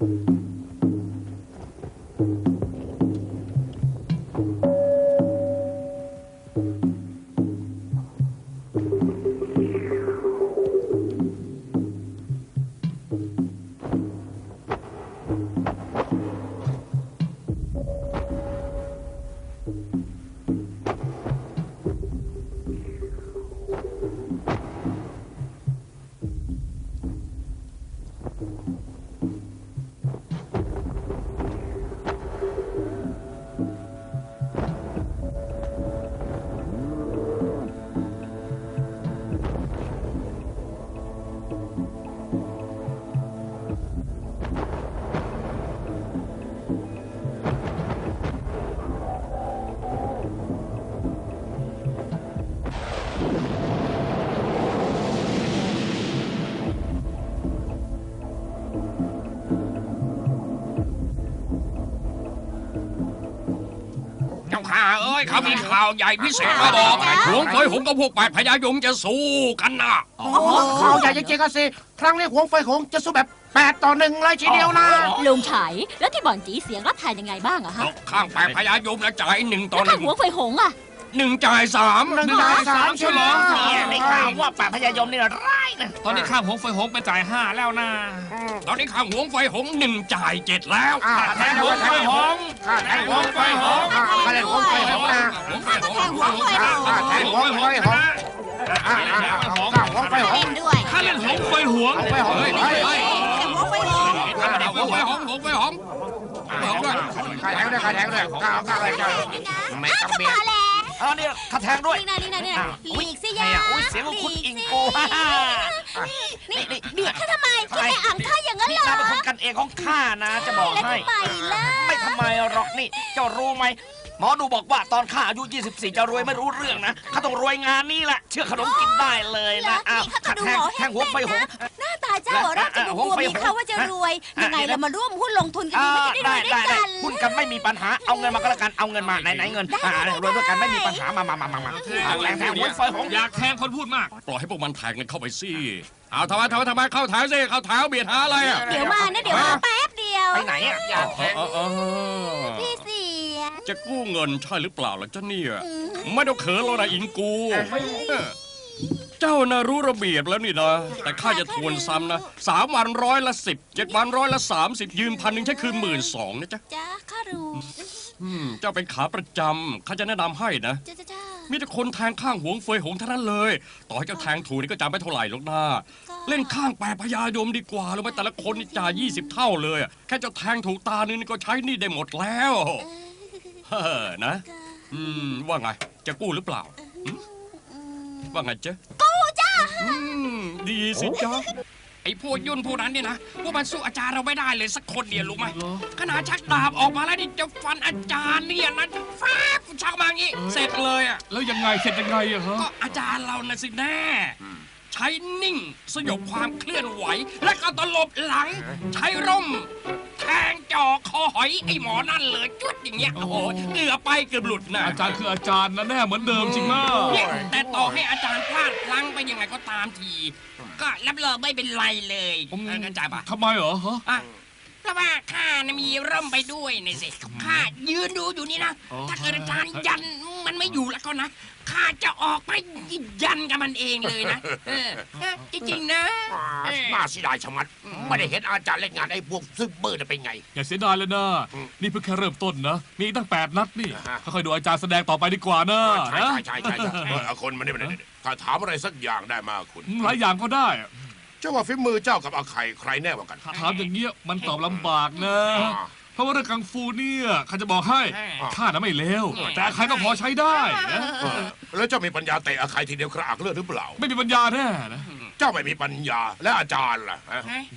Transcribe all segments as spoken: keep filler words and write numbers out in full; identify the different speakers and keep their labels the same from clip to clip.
Speaker 1: ข้าเอ้ยเขามีข่าวใหญ่พิเศษมาบอกหวงเฟยหงกับพวกแปดพญายมจะสู้กันนะ
Speaker 2: ข่าวใหญ่จริงๆก็สิครั้งนี้หวงเฟยหงจะสู้แบบแปดต่อหนึ่งเลยทีเดียวนะ
Speaker 3: ลุงไฉแล้วที่บ่อนจีเสียงรับทานยังไงบ้างอะฮะ
Speaker 1: ข้างแปดพญายมแล้วจ่ายหนึ่งต่อหนึ่ง
Speaker 3: แล้วหวงเฟยหงอะ
Speaker 1: หนึ่งจ่ายสาม
Speaker 2: หนึ่งจ่ายสามใช่ไหม
Speaker 4: ได้ข่าวว่าแปดพญายมนี่ร้ายนะ
Speaker 5: ตอนนี้ข้ามหงเฟยหงไปจ่ายห้าแล้วนะ
Speaker 1: ตอนนี้ข้างหวงเฟยหงหนึ่งจ่ายเจ็ดแล้ว
Speaker 2: แทงหวงเฟยหงแทงหวงเฟยหงมาเล่นหวงเฟยหงนะ
Speaker 1: หวงเฟยหง
Speaker 2: แทงหวงเฟยหงข้าหวงเฟยหง
Speaker 3: ด้วย
Speaker 5: ข้าเล่นหงเฟยหง
Speaker 2: เฟยหงเฮ้ย
Speaker 3: หวงเฟยหง
Speaker 1: หวงเฟยหงหวงเฟยหงหงด้วย
Speaker 2: ข้าแทงด้วยข้าแทงด้วยข้าข้าอะไรกันไม่ต้องเบียด
Speaker 4: เออเนี่ยข้าแทงด้วย
Speaker 3: นี่นะนี่นะนี่นะหลีกสิยา
Speaker 4: อุ้ยเสียงของคุณอิงโก
Speaker 3: นี่เบียดข้าทำไมคุณไม่อ่างข้าอย่างนั้นเหรอ
Speaker 4: นี่เป็นคนกันเองของข้านะจะบอกให้ไม่ทำไมหรอกนี่เจ้ารู้ไหมหมอดูบอกว่าตอนข้าอายุยี่สิบสี่จะรวยไม่รู้เรื่องนะข้าต้องรวยงานนี้แหละเชื่อขนมกินได้เลยนะอ้าวข้าแทงแทงหัวไฟหง
Speaker 3: หน้าตาเจ้าหัวเราะจะดูบัวมีเขาว่าจะรวยยังไงเรามาร่วมหุ้นลงทุนกันดีไม่ได้รวยด้วยกัน
Speaker 4: หุ้นกันไม่มีปัญหาเอาเงินมาก็แล้วกันเอาเงินมาไหนไหนเงินรวยด้วยกันไม่มีปัญหามามามามามาแทงแทงหัวไฟหง
Speaker 5: อยากแทงคนพูดมาก
Speaker 1: ปล่อยให้พวกมันแทงกันเข้าไปสิเอาทำไมทำไมทำไมเข้าแถวสิเข้าแถวเบียดหาอะไรอ่ะ
Speaker 3: เดี๋ยวมานะเดี๋ยวมาแป๊บเดียว
Speaker 4: ไปไหนอ่ะอยากแทง
Speaker 3: พี่เสีย
Speaker 1: จะกู้เงินใช่หรือเปล่าล่ะเจ้าเนี่ยไม่ต้องเขินแล้วนะอิงกูเจ้าน่ะรู้ระเบียบแล้วนี่นะแต่ข้าจะทวนซ้ำนะสามวันร้อยละสิบเจ็ดวันร้อยละสามสิบยืมพันหนึ่งใช้คืนหมื่นสองนะจ๊ะ
Speaker 3: จ้าข้ารู้
Speaker 1: เจ้าเป็นขาประจำข้าจะแนะนำให้นะมีแต่คนแทงข้างหวงเฟยหงเท่านั้นเลยต่อให้เจ้าแทงถูกนี่ก็จำไม่เท่าไหร่หรอกนะเล่นข้างแปดพญายมดีกว่าแล้วไปแต่ละคนนี่จ่ายยี่สิบเท่าเลยแค่เจ้าแทงถูกตานึงนี่ก็ใช้นี่ได้หมดแล้วเฮ้อนะอืมว่าไงจะกู้หรือเปล่าว่าไงเจ๊
Speaker 3: กู้จ้า
Speaker 1: ดีสิจ๊ะ
Speaker 5: ไอ้พวกยุ่นพวกนั้นเนี่ยนะพวกมันสู้อาจารย์เราไม่ได้เลยสักคนเดียวรู้ไหมขนาดชักดาบออกมาแล้วนี่จะฟันอาจารย์เนี่ยนะแฟบชักมาอย่างนี้เสร็จเลยอ่ะ
Speaker 6: แล้วยังไงเสร็จยังไงอะฮะ
Speaker 5: ก็อาจารย์เราน่ะสิแน่ใช้นิ่งสยบความเคลื่อนไหวและก็ตลบหลังใช้ร่มแทงจ่อคอหอยไอ้หมอนั่นเลยจุดอย่างเงี้ยโอ้โหเหงื่อไปเกือบหลุดนะ
Speaker 6: อาจารย์คืออาจารย์นะแน่เหมือนเดิมจริงมาก
Speaker 5: แต่ต่อให้อาจารย์พลาดพลั้งไปยังไงก็ตามทีก็รับรองไม่เป็นไรเลยเข้าใจปะ
Speaker 6: ทำไมเหรอฮะ
Speaker 5: เพราะว่าข้านะมีร่มไปด้วยนี่สิข้ายืนดูอยู่นี่นะถ้าเกิดอาจารย์ยันมันไม่อยู่แล้วก็นะข้าจะออกไปยันกับมันเองเลยนะจริงๆนะ
Speaker 2: น่าเสียดายชะมัดไม่ได้เห็นอาจารย์เล่นงานไอ้พวกซึมเบอร์เป็นไง
Speaker 6: อย่าเสียดายเลยนะนี่เพิ่งแค่เริ่มต้นนะมีตั้งแปดนัดนี่ค่อยๆดูอาจารย์แสดงต่อไปดีกว่านะ
Speaker 2: ใช่ใช่ใช่ใช่คนมันนี่มันถ้าถามอะไรสักอย่างได้มาคุณ
Speaker 6: หลายอย่างก็ได้
Speaker 2: เจ้าว่าฝีมือเจ้ากับอาไข่ใครแน่กว่ากัน
Speaker 6: ถามอย่างเงี้ยมันตอบลำบากนะเพราะว่าเรื่องกังฟูเนี่ยข้าจะบอกให้ข้าน่ะไม่เลวแต่อาไข่ก็พอใช้ได้นะ
Speaker 2: แล้วเจ้ามีปัญญาเตะอาไข่ทีเดียวกระอักเลือดหรือเปล่า
Speaker 6: ไม่มีปัญญาแน่นะ
Speaker 2: เจ้าไม่มีปัญญาและอาจารย์ล่ะ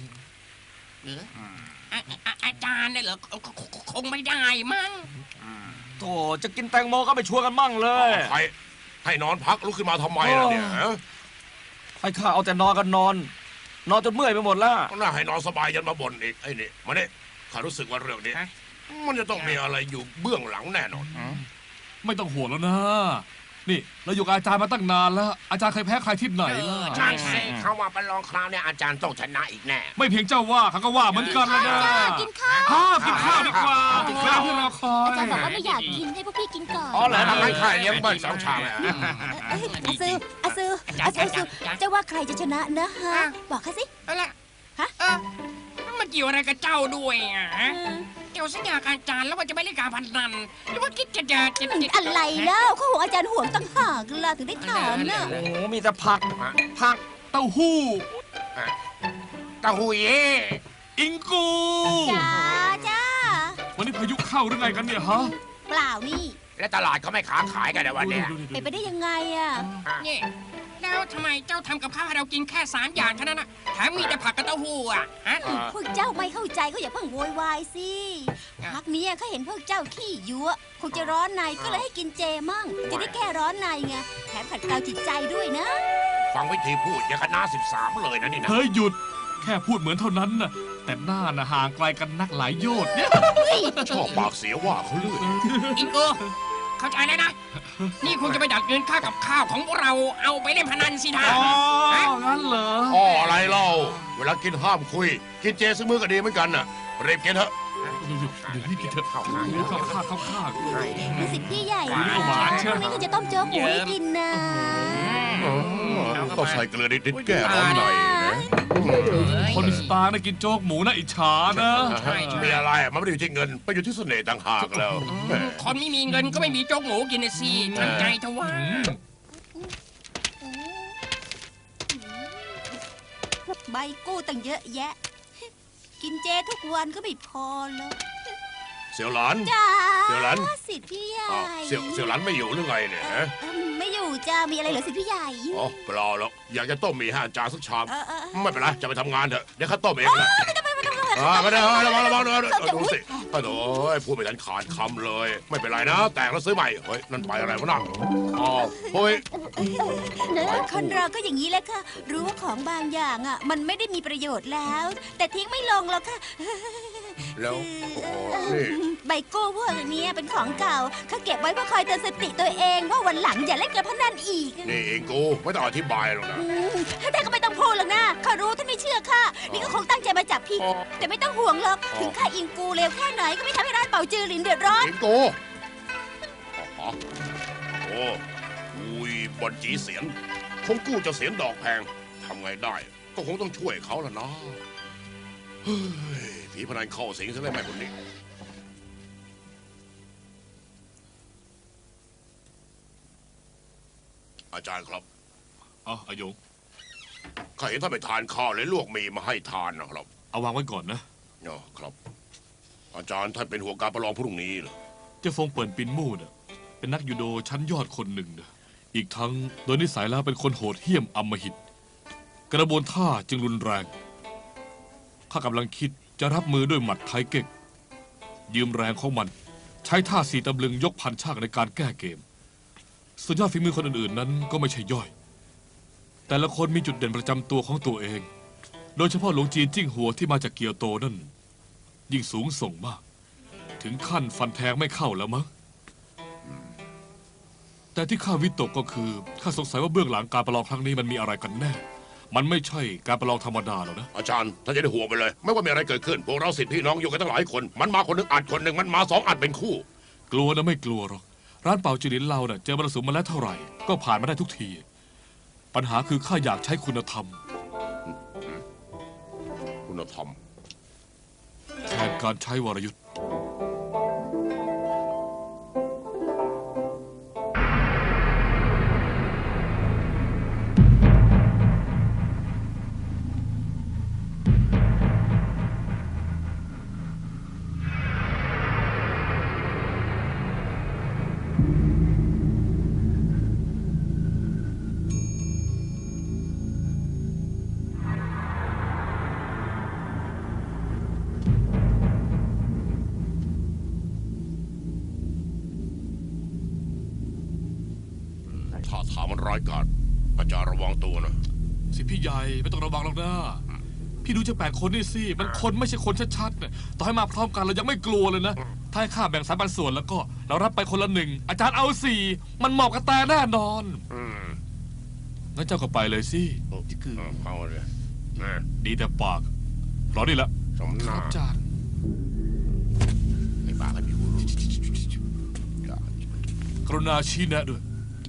Speaker 5: อาจารย์เนี่ยเหรอคงไม่ได้มั้ง
Speaker 4: โธ่จะกินแตงโมก็ไปชวนกันมั่งเลย
Speaker 2: ใครให้นอนพักลุกขึ้นมาทำไมล่ะเนี่ย
Speaker 4: ให้ข้าเอาแต่นอนกันนอนนอนจนเมื่อยไปหมดแล้ว
Speaker 2: น่าให้นอนสบายยันมาบ่นอีกไอ้นี่มาเนี่ยข้ารู้สึกว่าเรื่องนี้มันจะต้องมีอะไรอยู่เบื้องหลังแน่นอน
Speaker 6: ไม่ต้องห่วงแล้วนะในนี่เราอยู่กับอาจารย์มาตั้งนานแล้ว อาจารย์เคยแพ้ใครที่ไหนล่ะ
Speaker 2: ใช่สิเขาว่าประลองคราวเนี่ยอาจารย์ต้องชนะอีกแน่
Speaker 6: ไม่เพียงเจ้าว่าเขาก็ว่าเหมือนกันแล้วนะ
Speaker 3: กินข้าว
Speaker 6: อ้าวกินข้าวดีกว่าเวลาที่เราคอย
Speaker 3: อาจารย์บอกว่าไม่อยากกินให้พวกพี่กินก่อน
Speaker 4: อ๋อเหรอ
Speaker 2: ทำให้ข้าเลี้ยงเบิ้ลสองชามเลย
Speaker 3: เอ้ยอาซืออาซืออาซืออาซือเจะว่าใครจะชนะนะฮะ บอกข้าสิ
Speaker 5: เอาละ
Speaker 3: ฮะ
Speaker 5: เออมันเกี่ยวอะไรกับเจ้าด้วยอ่ะฮะเกี่ยวสัญญากับอาจารย์แล้วว่าจะไม่เล่นการพนันหรือว่าคิดจะจะจะจะ
Speaker 3: อะไรแล้วเขาห่วงอาจารย์ห่วงตั้งหากล่ะถึงได้ถามน่ะ
Speaker 4: โอ้โหมีแต่ผักผัก
Speaker 6: เต้าหู้
Speaker 2: เต้าหู้เย่
Speaker 6: อิงกู
Speaker 3: จ้าจ้า
Speaker 6: วันนี้พายุเข้าหรือไงกันเนี่ยฮะ
Speaker 3: เปล่านี่
Speaker 2: และตลาดเขาไม่ค้าขายกันในวันเนี้ย
Speaker 6: ดูดิดู
Speaker 3: เป็นไป
Speaker 6: ดิ
Speaker 3: ได้ยังไงอ่ะ
Speaker 5: นี่แล้วทำไมเจ้าทำกับข้าวให้เรากินแค่สามอย่างเท่านั้นน่ะแถมมีแต่ผักกับเต้าหู้อ่ะฮะ
Speaker 3: พวกเจ้าไม่เข้าใจก็อย่าเพิ่งโวยวายสิ
Speaker 5: อ่ะ
Speaker 3: พักนี้เขาเห็นพวกเจ้าขี้ยั่วคงจะร้อนในก็เลยให้กินเจมั่ง จะได้แก้ร้อนในไงแถมขัดเกลาจิตใจด้วยนะ
Speaker 2: ฟังวิธีพูดอย่างกับหน้าสิบสามเลยนะนี่นะ
Speaker 6: เฮ้ยหยุด แค่พูดเหมือนเท่านั้นน่ะ แต่หน้าน่ะห่างไกลกันนักหลายโยชน์เนี่ย
Speaker 2: ชอบปากเสียว่าเขาเลื่อย
Speaker 5: อิงโกเข้าใจแล้วนะ นี่คงจะไปดักเงินค่ากับข้าวของพวกเราเอาไปเล่นพนันสิท่า
Speaker 6: อ๋อ งั้นเหรอ
Speaker 2: อ๋ออะไรเล่าเวลากินห้ามคุย กินเจซื้อมือก็ดีเหมือนกันน่ะเรียบกินเถอะ
Speaker 6: เดี๋ยวนี่กินเถอะ
Speaker 2: เข้าข้าง
Speaker 6: เดี๋ยวเข้าข้างเข้าข้าง
Speaker 3: รู้สึกพี่ใหญ่
Speaker 6: หวานหวานเชียว
Speaker 3: พรุ่งนี้ก็จะต้มโจ๊กหมูให้กินนะ
Speaker 2: ต้องใส่เกลือนิดๆแก้ร้อนหน่อยนะ
Speaker 6: คนมีสตาร์นะกินโจ๊กหมูนะอิจฉานะ
Speaker 2: มีอะไรมันไม่ได้อยู่ที่เงินไปอยู่ที่เสน่ห์ต่างหากแล้วแหม
Speaker 5: คนไม่มีเงินก็ไม่มีโจ๊กหมูกินนะสิทำใจเถอะว่า
Speaker 3: ใบกู้ตั้งเยอะแยะ กินเจทุกวันก็ไม่พอแล้ว
Speaker 2: เสี่ยวหลาน
Speaker 3: จ้า
Speaker 2: เสี่ยวหลาน
Speaker 3: สิทธิ์พี่ใหญ่
Speaker 2: อ้าวเสี่ยวเสี่ยวหลานไม่อยู่หรือไงเนี่ยฮะ
Speaker 3: เอิ่มไม่อยู่จ้ามีอะไรเหรอสิทธิ์พี่ใหญ่
Speaker 2: อ๋อเปล่าหรอกอยากจะต้มหมี่ให้อาจารย์สักชาม
Speaker 3: เออเออ
Speaker 2: ไม่เป็นไรจะไปทำงานเถอะเดี๋ยวข้าต้มเองนะ
Speaker 3: ไม่ต้องไม่ต้องไม่ต้อง
Speaker 2: อ่าไม่ได้ระวังระวังระวัง
Speaker 3: เออ
Speaker 2: ดูสิโอ้โหพูดไม่ทันขาดคำเลย ไม่เป็นไรนะ แตกแล้วซื้อใหม่เฮ้ยนั่นไปอะไรวะนั่งอ๋อเฮ้ย
Speaker 3: คนเราก็อย่างนี้แหละค่ะ รู้ว่าของบางอย่างอ่ะ มันไม่ได้มีประโยชน์แล้ว แต่ทิ้งไม่ลงหรอกค่ะ
Speaker 2: แล้วโอ้โหนี่
Speaker 3: ใบกู้พวกนี้เป็นของเก่าเขาเก็บไว้เพื่อคอยเตือนสติตัวเองว่าวันหลังอย่าเล่นการพนันอีก
Speaker 2: นี่เองกูไม่ต้องอธิบายหรอกนะ
Speaker 3: อืมท่านก็ไม่ต้องพูดหรอกนะข้ารู้ท่านไม่เชื่อข้านี่ก็คงตั้งใจมาจับผิด แต่ไม่ต้องห่วงหรอก ถึงข้าอิงกูเร็วแค่ไหนก็ไม่ทำให้ร้านเป่าจือหลินเดือดร้อน
Speaker 2: เองกูอ๋อโอ้อุ้ยบอลจีเสียนคงกู้จะเสียนดอกแพงทำไงได้ ก็คงต้องช่วยเขาละนะเฮ้ยผีพนันเข้าสิงซะได้ไหมคนนี้ อาจารย์ครับ
Speaker 6: เอาอายุ
Speaker 2: ข้าเห็นท่านไปทานข้าวเลยลวกหมีมาให้ทานนะครับ
Speaker 6: เอาวางไว้ก่อนนะ
Speaker 2: อ๋อครับ อาจารย์ท่านเป็นหัวการประลองพรุ่งนี้เหรอ
Speaker 6: เจ้าฟงเปิ่นปินมู่น่ะเป็นนักยูโดชั้นยอดคนหนึ่งนะอีกทั้งโดยนิสัยแล้วเป็นคนโหดเหี้ยมอำมหิต กระบวนท่าจึงรุนแรง ข้ากำลังคิดจะรับมือด้วยหมัดไทเก๊กยืมแรงของมัน ใช้ท่าสีตำลึงยกพันชากในการแก้เกม ส่วนยอดฝีมือคนอื่นๆนั้นก็ไม่ใช่ย่อย แต่ละคนมีจุดเด่นประจำตัวของตัวเอง โดยเฉพาะหลวงจีนจิ้งหัวที่มาจากเกียวโตนั่นยิ่งสูงส่งมาก ถึงขั้นฟันแทงไม่เข้าแล้วมั้งแต่ที่ข้าวิตกก็คือข้าสงสัยว่าเบื้องหลังการประลองครั้งนี้มันมีอะไรกันแน่ มันไม่ใช่การประลองธรรมดาหรอกนะ
Speaker 2: อาจารย์ท่านจะได้ห่วงไปเลย ไม่ว่ามีอะไรเกิดขึ้น พวกเราสิทธิพี่น้องอยู่กันตั้งหลายคน มันมาคนหนึ่งอัดคนหนึ่งมันมาสองอัดเป็นคู่
Speaker 6: กลัวนะไม่กลัวหรอกร้านเป่าจือหลินเราเน่ะเจอมรสุมมาแล้วเท่าไหร่ก็ผ่านมาได้ทุกที ปัญหาคือข้าอยากใช้คุณธรรม
Speaker 2: คุณธรรม
Speaker 6: แทนการใช้วรยุทธ์
Speaker 2: ถ้าถามมันร้ายกาจอาจารย์ระวังตัวนะ
Speaker 6: สิพี่ใหญ่ไม่ต้องระวังหรอกนะพี่ดูจะแปลกคนนี่สิมันคนไม่ใช่คนชัดๆเนี่ยต่อให้มาพร้อมกันเรายังไม่กลัวเลยนะถ้าให้ข้าแบ่งสามปันส่วนแล้วก็เรารับไปคนละหนึ่งอาจารย์เอาสี่มันเหมาะกับแต่แน่นอน
Speaker 2: อืม
Speaker 6: งั้นเจ้าก็ไปเลยสิ
Speaker 2: คือเอาเลยนะ
Speaker 6: ดีแต่ปากรอนี่ละ
Speaker 2: สม
Speaker 6: ค
Speaker 2: นา
Speaker 6: รับอาจารย์
Speaker 2: ไอ้บ้ากันพี่กูรู้
Speaker 6: กรุณาชี้แนะด้วย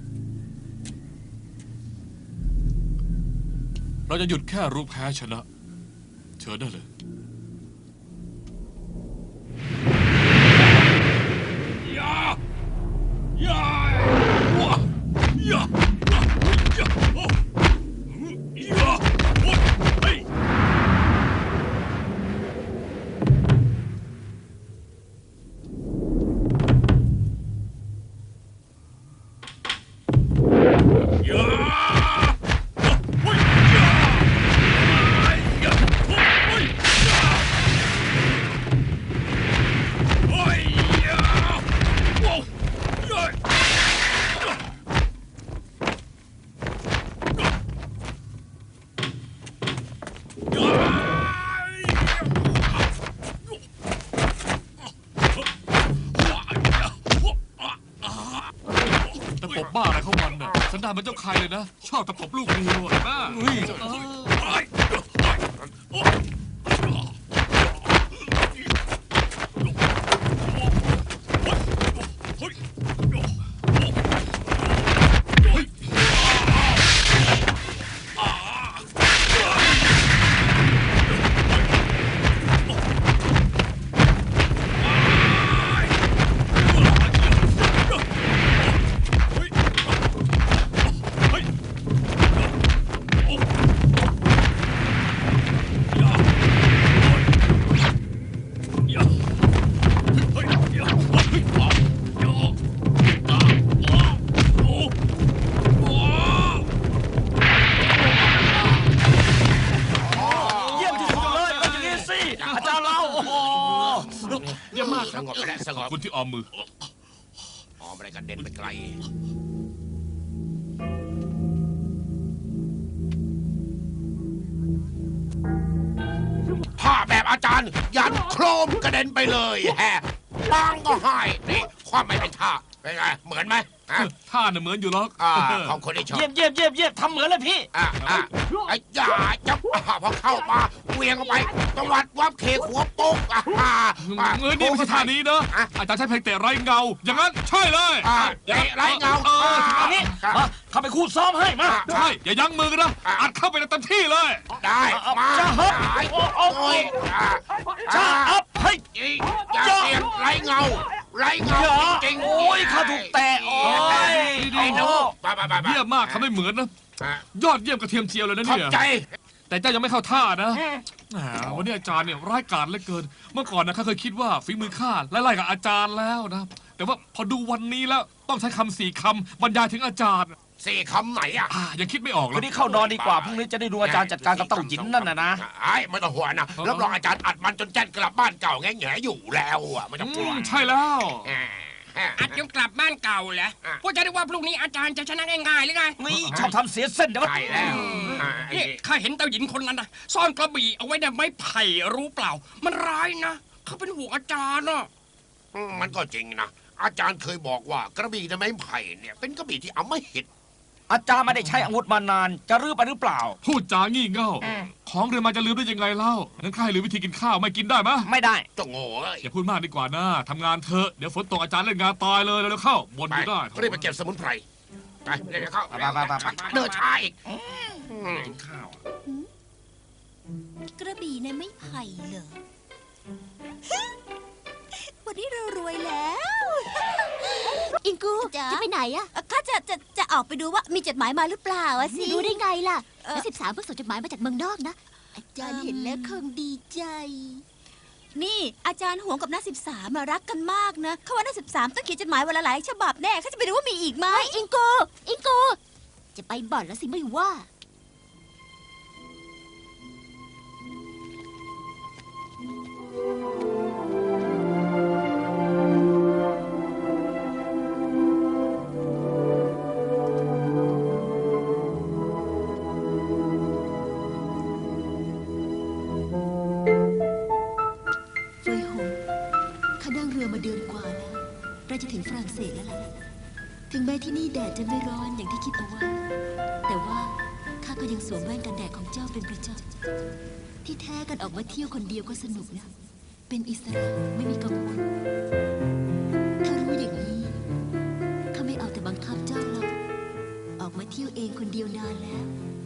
Speaker 6: เราจะหยุดแค่รู้แพ้ชนะ เชิญได้เลย
Speaker 5: ยายาวะยายาโอ้ยาโอ้เฮ้ยยาโอ้ยยายาโอ้ยยาโอ้ยยาโอ้ยยา
Speaker 6: แต่ปบบ้าอะไรเข้ามันน่ะสันดานเป็นเจ้าใครเลยนะ ชอบตะปบลูกเมียเห็นปะเฮ้ย
Speaker 4: เยี่ยมที่สุดเลยก็อย่างนี้สิอาจารย์เราโอ้โห
Speaker 2: เยี่ยมมากสงบไปแล้วสง
Speaker 6: ขอ
Speaker 2: บบ
Speaker 6: คุณที่ออมมือ
Speaker 2: อ๋อไม่ได้กันเด็นไปไกลผ้าแบบอาจารย์ ยันโครมกระเด็นไปเลยแฮะบางก็ให้นี่ความไม่เป็นท่าเป็นไงเหมือนไหมฮะ
Speaker 6: ท่าน่ะเหมือนอยู่หรอก
Speaker 2: อ่าของคนที่ชอบ
Speaker 4: เยี่ยมเยี่ยมเยี่ยมเยี่ยมทำเหมือนเลยพี่
Speaker 2: อ่ะอ่ะไอ้ยาจับอ่ะพอเข้ามาเวียงเข้าไปตวัดวับเคหัวโป๊กอ่ะอ่ะอ่ะ
Speaker 6: เงยนี่ไม่ใช่ท่านี้นะ
Speaker 2: อ่ะ
Speaker 6: อาจารย์ใช้เพลงเตะไร้เงา อย่างนั้นใช่เลย
Speaker 2: อ่ะเตะไร้เงา
Speaker 6: ออ
Speaker 4: เอางี้มาเข้าไปคู่ซ้อมให้มา
Speaker 6: ใช่ อย่ายั้งมือกันนะ อัดเข้าไปในเต็มที่เลย
Speaker 2: ได้มา
Speaker 4: จะฮึบ
Speaker 2: ได้
Speaker 4: โอ้โอ้
Speaker 2: โอ้ยอ่ะ
Speaker 4: จะอัพเฮ้ย
Speaker 2: อีอย่าเสียงไร้เงาไร้เงา
Speaker 4: เหรอ
Speaker 2: จริงๆ
Speaker 4: โอ้ยข้าถูกแตะโอ้ย
Speaker 2: ไอ้หนูไปไปไปไป
Speaker 6: เยี่ยมมากทำได้เหมือนนะ
Speaker 2: อ่ะ
Speaker 6: ยอดเยี่ยมกระเทียมเจียวเลยนะ
Speaker 2: ขอบ
Speaker 6: เนี่ย
Speaker 2: ใจ
Speaker 6: แต่เจ้ายังไม่เข้าท่านะแหมวันนี้อาจารย์เนี่ยร้ายกาจเหลือเกิน เมื่อก่อนนะข้าเคยคิดว่าฝีมือข้าไล่ๆกับอาจารย์แล้วนะ แต่ว่าพอดูวันนี้แล้วต้องใช้คำสี่คำบรรยายถึงอาจารย์
Speaker 2: สี่คำไหนอ่ะ
Speaker 6: อ่ายังคิดไม่ออกเล
Speaker 4: วัน
Speaker 6: ย
Speaker 4: นี้เข้านอนดีกว่าพรุ่งนี้จะได้ดูอาจารย์จัดการกับเต้าหยินนั่นนะนะ
Speaker 2: ไอ้ไม่ต้องห่วงนะรับรองอาจารย์อัดมันจนแจ้นกลับบ้านเก่าแง่แง่อยู่แล้วอ่ะไม่ต้องกลัว
Speaker 6: อืมใช่แล้ว
Speaker 2: อ่าอ่า
Speaker 5: อัดยังกลับบ้านเก่าเหรอ
Speaker 2: อ่ะ
Speaker 5: พวกจะได้ว่าพรุ่งนี้อาจารย์จะชนะง่ายๆหรือไง
Speaker 4: นี่ชอบทำเสียเส้นเดี๋ยว
Speaker 2: ใช่แล้วอ่าไอ้
Speaker 5: นี่ข้าเห็นเต้าหญินคนนั้นนะซ่อนกระบี่เอาไว้ในไม้ไผ่รู้เปล่า มันร้ายนะเขาเป็นห่วงอาจารย์อ่ะ
Speaker 2: อืมมันก็จริงนะ อาจารย์เคยบอกว่ากระบี่ในไม้ไผ่เนี่ยเป็นกระบี่ที่เอาไม่หิด
Speaker 4: อาจารย์ไม่ได้ใช้อาวุธมานาน จะรื้อไปหรือเปล่า
Speaker 6: พูดจางี่เง่า ของเรียนมาจะลืมได้ยังไงเล่างั้นข้าให้ลืมวิธีกินข้าวไม่กินได้ไหม
Speaker 4: ไม่ได้
Speaker 2: เจ้าโง่เอ้ย
Speaker 6: อย่าพูดมากดีกว่านะทำงานเถอะ เดี๋ยวฝนตกอาจารย์เล่นงานตายเลยเร็วๆเข้าบน
Speaker 2: ไป
Speaker 6: อยู่ได้
Speaker 2: รีบไปเก็บสมุนไพรไปเร็วๆเข้า
Speaker 4: ไปไปไปไป
Speaker 2: เดินช้าอีก
Speaker 5: กินข้าวอะ
Speaker 3: กระบี่ในไม้ไผ่เหรอ วันนี้เรารวยแล้ว อิงกูจะไปไหนอะข้าจะจะจะออกไปดูว่ามีจดหมายมาหรือเปล่าอะสิ
Speaker 7: รู้ได้ไงล่ะ
Speaker 3: เอ่อ
Speaker 7: นักสิบสามเพิ่งส่งจดหมายมาจากเมืองนอกนะ
Speaker 3: อาจารย์เห็นแล้วคงดีใจ นี่อาจารย์หวงกับนักสิบสามรักกันมากนะเขาว่านักสิบสามต้องเขียนจดหมายวันละหลายฉบับแน่เขาจะไปดูว่ามีอีกไหม
Speaker 7: อิงโก อิงโก จะไปบ่อนแล้วสิไม่ว่า
Speaker 3: เฟยหงข้านั่งเรือมาเดือน
Speaker 8: เราจะถึงฝรั่งเศสแล้วล่ะ ถึงแม้ที่นี่แดดจะไม่ร้อนอย่างที่คิดเอาไว้ แต่ว่าข้าก็ยังสวมแว่นกันแดดของเจ้าเป็นประจำที่แท้กันออกมาเที่ยวคนเดียวก็สนุกนะ เป็นอิสระไม่มีกังวล ถ้ารู้อย่างนี้ข้าไม่เอาแต่บังคับเจ้าหรอก ออกมาเที่ยวเองคนเดียวนานแล้ว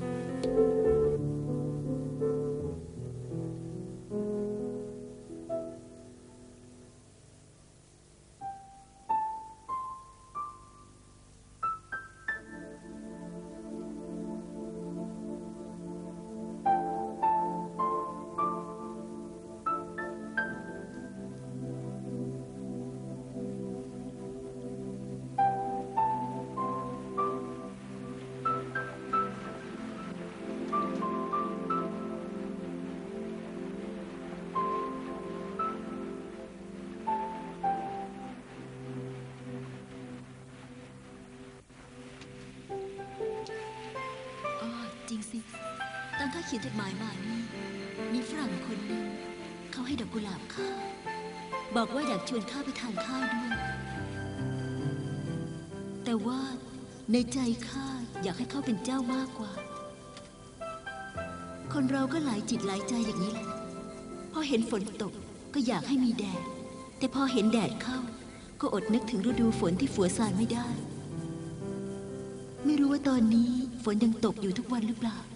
Speaker 8: อ๋อจริงสิตอนข้าเขียนจดหมายมานี่มีฝรั่งคนหนึ่งเขาให้ดอกกุหลาบข้าบอกว่าอยากชวนข้าไปทานข้าวด้วย แต่ว่าในใจข้าอยากให้เขาเป็นเจ้ามากกว่า คนเราก็หลายจิตหลายใจอย่างนี้แหละพอเห็นฝนตกก็อยากให้มีแดด แต่พอเห็นแดดเข้าก็อดนึกถึงฤดูฝนที่ฝัวสานไม่ได้ ไม่รู้ว่าตอนนี้ฝนยังตกอยู่ทุกวันหรือเปล่า